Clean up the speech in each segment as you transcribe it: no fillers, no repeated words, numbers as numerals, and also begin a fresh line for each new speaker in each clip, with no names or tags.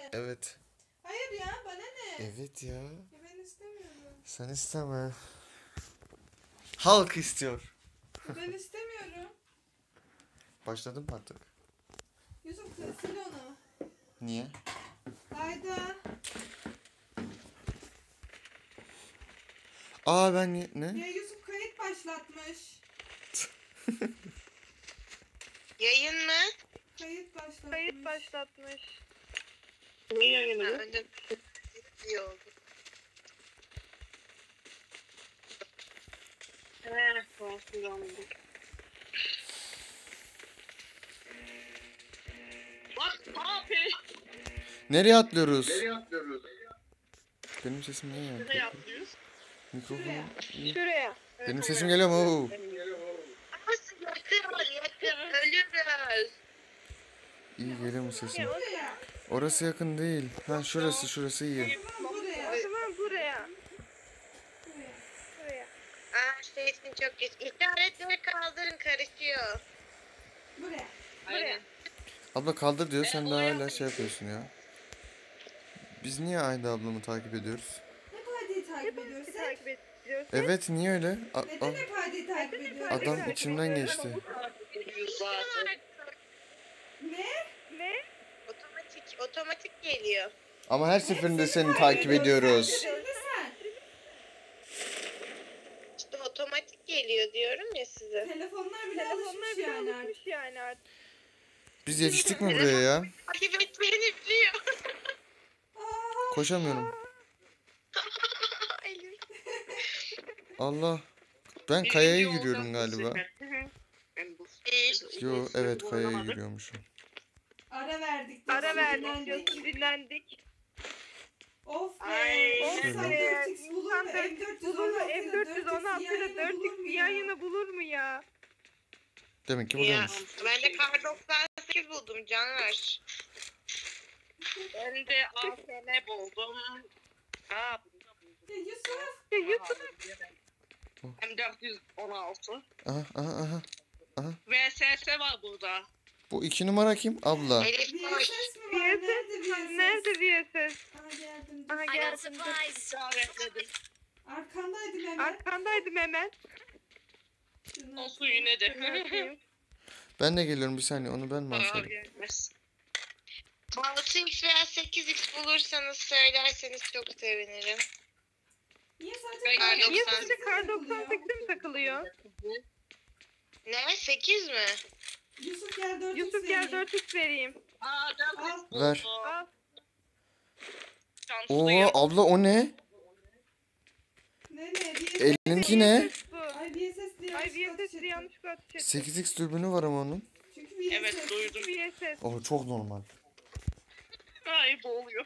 Evet.
Hayır ya, bana ne?
Evet ya.
Ben istemiyorum.
Sen isteme. Halk istiyor.
Ben istemiyorum.
Başladım mı artık?
Yusuf sil onu.
Niye?
Hayda.
Aa ben ne?
Ya Yusuf kayıt başlatmış.
Yayın mı?
Kayıt başlatmış.
Ne yayını bu? Önce iyi oldu.
Nereye atlıyoruz? Benim sesim ne yani?
Nereye atlıyoruz?
Mikrofonu.
Şuraya.
Benim sesim geliyor mu?
Ama yakın. Ölürüz.
İyi geliyor mu sesim?
Buraya.
Orası yakın değil. Ha şurası iyi.
Buraya. O zaman buraya. Buraya.
Sesin çok geç. İşaretleri kaldırın, karışıyor.
Buraya.
Aynen.
Abla kaldır diyor, sen de hala şey yapıyorsun ya. Biz niye Ayda ablamı takip ediyoruz?
Hep Hadi'yi takip ediyoruz.
Evet, niye öyle?
Neden hep Hadi'yi takip ediyoruz?
Adam içimden geçti.
Ne?
Otomatik geliyor.
Ama her seferinde seni takip ediyoruz.
Şimdi sen.
İşte otomatik geliyor diyorum ya size.
Telefonlar bile alışmış yani artık.
Biz yetiştik mi buraya ya?
Takip etmeni biliyor.
Koşamıyorum.
Elim.
Allah. Ben kayaya yürüyorum galiba.
İyi.
Yo evet, kayaya yürüyormuşum.
Ara verdik
diyorsun, dinlendik.
Of be.
Ay.
İnsan 4x bulur mu?
M416 ile 4x yan yana bulur mu ya?
Demek ki
Ya,
buradaymış.
ben de kar 98 buldum Caner. Ben de AFM buldum.
Yusuf.
M416.
Aha.
VSS var burada.
Bu 2 numara kim? Abla.
Elif koş.
VSS mi var?
Nerede VSS?
Aha geldim.
Aha geldim.
İşaretledim.
Arkandaydım hemen.
Olsun yine de.
Ben de geliyorum, bir saniye, onu ben mi alsaydım?
Gelmez. 6x veya 8x bulursanız söylerseniz çok sevinirim.
Niye
Niye
sadece
Kar 98'e mi takılıyor?
Ne? 8 mi?
Yusuf gel 4x
Yusuf gel 4x vereyim.
Ver.
Al.
Oo abla, o ne?
Ne?
Elinki ne?
Ay VSS diye
yanlışlıkla ateş etti.
8x dürbünü var ama onun.
Çünkü VSS.
Evet duydum.
VSS.
O çok normal.
Ay boğuluyor.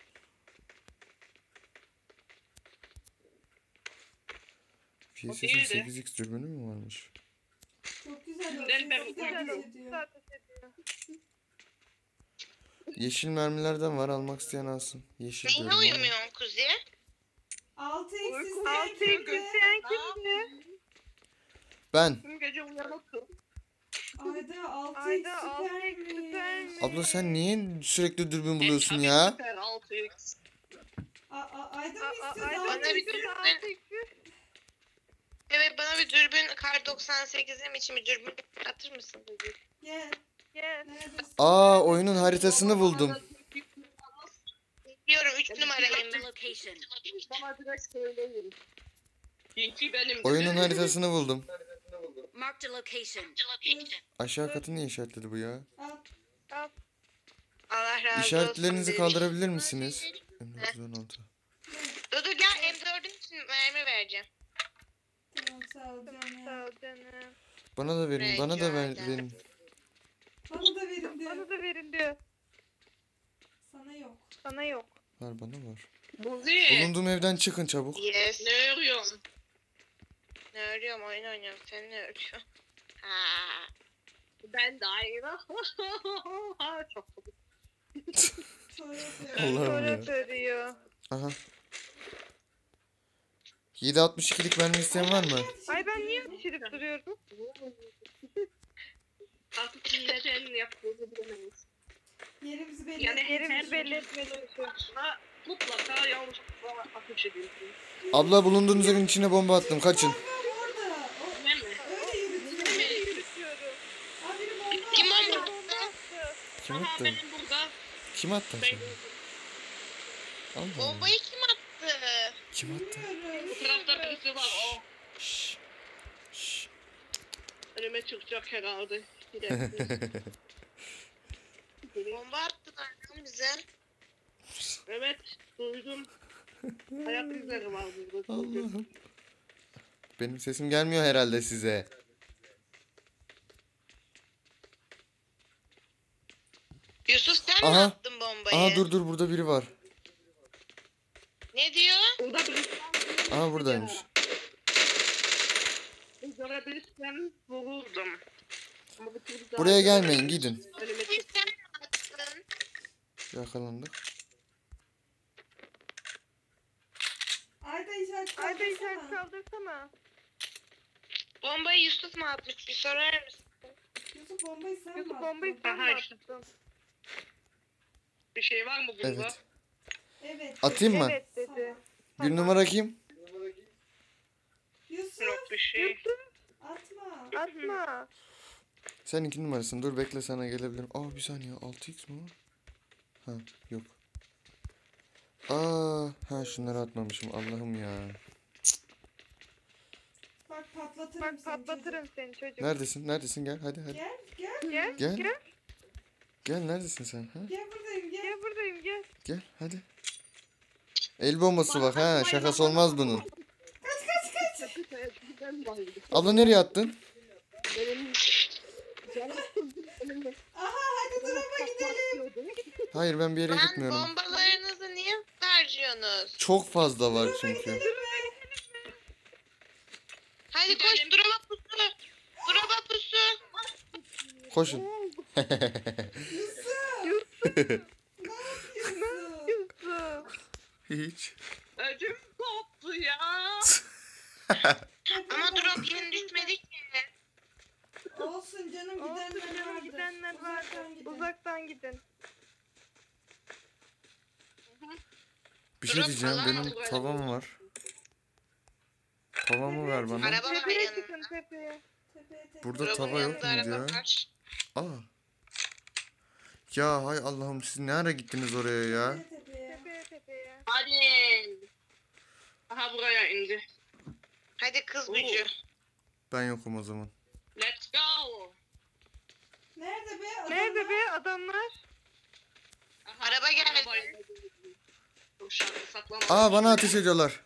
VSS'in 8x dürbünü mü varmış?
Çok güzel.
Yeşil mermilerden var, almak isteyen alsın. Yeşil
Neyine
diyorum ama.
uyumuyorsun Kuzi?
6x
isteyen kimdi?
Ben.
Tüm gece uyanıktım.
Ayda 6x süpermiş.
Abla sen niye sürekli dürbün buluyorsun ya?
Süper 6x.
Ayda mı istiyorsun?
Bana bir dürbün. Evet, bana bir dürbün kar 98'im için bir dürbün atır mısın?
Gel. Neredesin?
Aa, oyunun haritasını buldum.
Biliyorum 3 numarayım ben.
Bana direkt söyleyin.
Çünkü benim.
Oyunun haritasını buldum.
Marked a location.
Aşağı katı niye işaretledi bu ya?
Al.
Allah razı olsun.
İşaretlerinizi kaldırabilir misiniz? M416.
Dudu gel, M4'ün için mermi vereceğim.
Tamam sağ ol canım.
Sağ ol canım.
Bana da verin, bana da verin.
Bana da verin diyor.
Bana da verin diyor.
Sana yok.
Sana yok.
Var, bana var.
Buzi.
Bulunduğum evden çıkın çabuk.
Yes. Ne örüyorsun? Ne örüyorum? Oyun oynuyorum. Sen ne örüyorsun? Ha. Ben de aynı. Çok komik.
Allah'ım ya.
Söylüyor.
Aha. 7.62'lik mermi isteyen var mı?
Ay ben niye düşürüp duruyorum?
Artık neden yaptığını bilemeyiz.
Yerimizi belli
Yani
Yerimizi
her
belli etmeye çalışıyoruz.
konusunda mutlaka yanlışlıkla ateş ediyorsun.
Abla bulunduğunuz evin içine bomba attım. Kaçın.
orada.
Değil mi?
Öyle yürütüyor.
Nereye yürütüyorum?
Abi biri bomba
Kim
attı.
bomba
Bomba
attı?
attı.
Kim
Aha
attı?
benim burada.
Kim attı
Ben
seni? Allah Allah.
bombayı kim attı?
Kim attı?
Bilmiyorum.
Bu tarafta birisi var. O
Şşş. Şşş.
önüme çıkacak herhalde. Bir dakika. Bomba attılar lan bize. Evet duydum. Ayak izleri var burada.
Allah'ım. Benim sesim gelmiyor herhalde size.
Yusuf sen mi
Aha.
attın bombayı?
Aha dur burada biri var.
Ne diyor? Burada birisi var.
Aha buradaymış.
Görebilirsem vururdum. Ama bu türlü daha
Buraya gelmeyin gidin.
önüme çıktı. Sen mi attın?
Yakalandık.
Ayda işaret
Ayda işaret
kaldırsana.
kaldırsana.
Bombayı Yusuf mu atmış? Bir sorar mısın?
Yusuf bombayı sen mi
Yusuf
attın?
bombayı sen mi
Aha işte.
attın?
Bir şey var mı bunda?
Evet.
Evet.
Atayım mı?
Evet dedi.
Bir numara kim?
Yusuf
Yok bir şey.
Yusuf
atma.
atma.
Sen 2 numarasın. Dur bekle sana gelebilirim. Aa bir saniye 6x mi var? Ha yok. Aa ha şunları atmamışım. Allah'ım ya.
Bak patlatırım
Bak
seni
patlatırım seni çocuk.
Neredesin? Neredesin? Gel hadi hadi.
çocuk. Gel
Gel.
Gel. Gel neredesin sen? Ha?
gel buradayım gel.
Gel buradayım gel.
Gel hadi. El bombası bak ha. Şakası olmaz bunun. Abla nereye attın?
Aha hadi duraba gidelim.
Hayır ben bir yere
Lan
gitmiyorum.
bombalarınızı niye harcıyorsunuz?
Çok fazla var çünkü.
Hadi koş duraba pusu. Duraba pusu.
Koşun.
Yusuf.
Yusuf.
Hiç.
Ödüm koptu ya. Ama drop yeni düşmedi ki.
Olsun canım
Olsun
gidenler
canım
vardır.
gidenler vardı.
Uzaktan gidin.
Uzaktan gidin.
Bir şey
Drop
diyeceğim.
falan
Benim
var.
tavam var. Tavamı ver bana.
Araba var
Tepeye
yanında.
çıkın tepeye.
Tepeye.
Burada
Drop'un
tava yok
yanında
muydu
araba
ya?
var.
Aa. Ya hay Allah'ım siz ne ara gittiniz oraya ya?
Tepeye.
Tepeye.
Hadi. Aha buraya indi. Hadi kız gücü.
Ben yokum o zaman.
Let's go.
Nerede be? Adamlar?
Nerede be adamlar?
Aha, araba geldi. Dur şarkı saklama.
Aa bana ateş ediyorlar.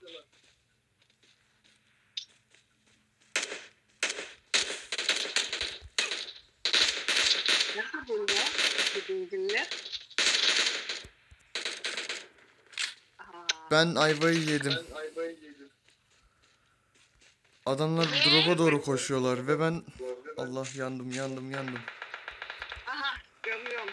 Nasıl burada? Bu benzinler. Aha.
Ben ayvayı yedim. Adamlar drop'a doğru koşuyorlar ve ben Allah yandım.
Aha görüyorum.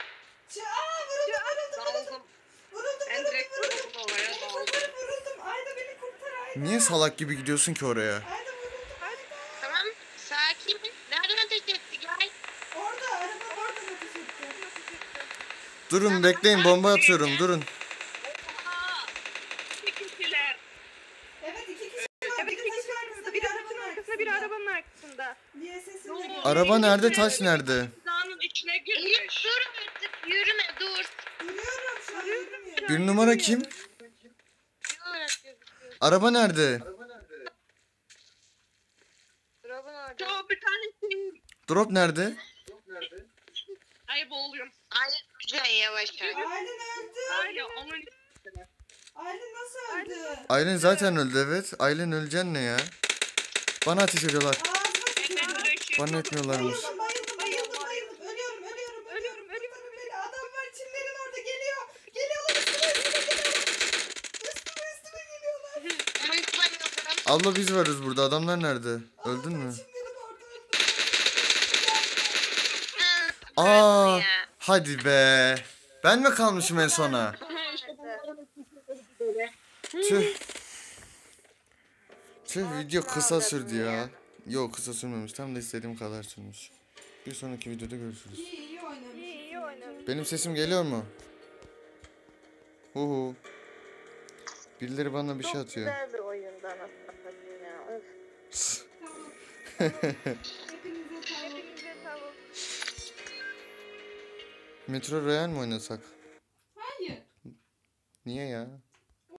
Vuruldum.
Daldım. En direkt vuruldum oraya daldım.
Vuruldum. Ayda beni kurtar Ayda.
niye salak gibi gidiyorsun ki oraya?
Ayda vuruldum.
Tamam sakin. Nereden ateş etti gel.
Orada araba oradan ateş etti.
Durun bekleyin bomba atıyorum durun.
Aha. İki kişiler.
Evet iki kişi var.
Evet
Biri
iki
taşın
kişi
arkasında,
biri
arabanın
taşın arkasında biri arabanın arkasında.
Niye sesini
Ne
de
oldu?
gör.
Araba nerede taş nerede?
Dağının içine girmiş. Dur artık yürüme dur.
Duruyorum şu an yürümüyorum.
Bir numara kim?
Ne olarak gözüküyor?
Araba nerede?
Drop'un orada. Çok bir tanesi.
Drop nerede?
Ayıp oluyorum. Ayıp güzel yavaş yavaş.
Aylin öldü.
Aynen onun
Aylin nasıl öldü?
Aylin zaten öldü evet. Aylin öleceksin ne ya? Bana ateş ediyorlar.
Ağzıma sıçtı.
Bana etmiyorlarmış.
Bayıldım. Ölüyorum. Kurtarın beni. Adam var çimlerin orada geliyor. Geliyorlar üstüme geliyorlar. Üstüme geliyorlar.
Onun bayıldım.
Abla biz varız burada. Adamlar nerede? Öldün mü?
Çimlerin orada
Aa, hadi be. Ben mi kalmışım en sona? Tüh. Tüh video kısa sürdü ya. Yok kısa sürmemiş. Tam da istediğim kadar sürmüş. Bir sonraki videoda görüşürüz.
İyi oynamış.
İyi oynamış. Aynen.
Benim sesim geliyor mu? Huhu. Birileri bana bir şey
Çok
atıyor.
güzel bir oyundu anasını satayım ya. Öf.
Tamam. Hepinize tamam.
Hepinize tavuk.
Metro Royal mi oynasak?
Hayır.
Niye ya?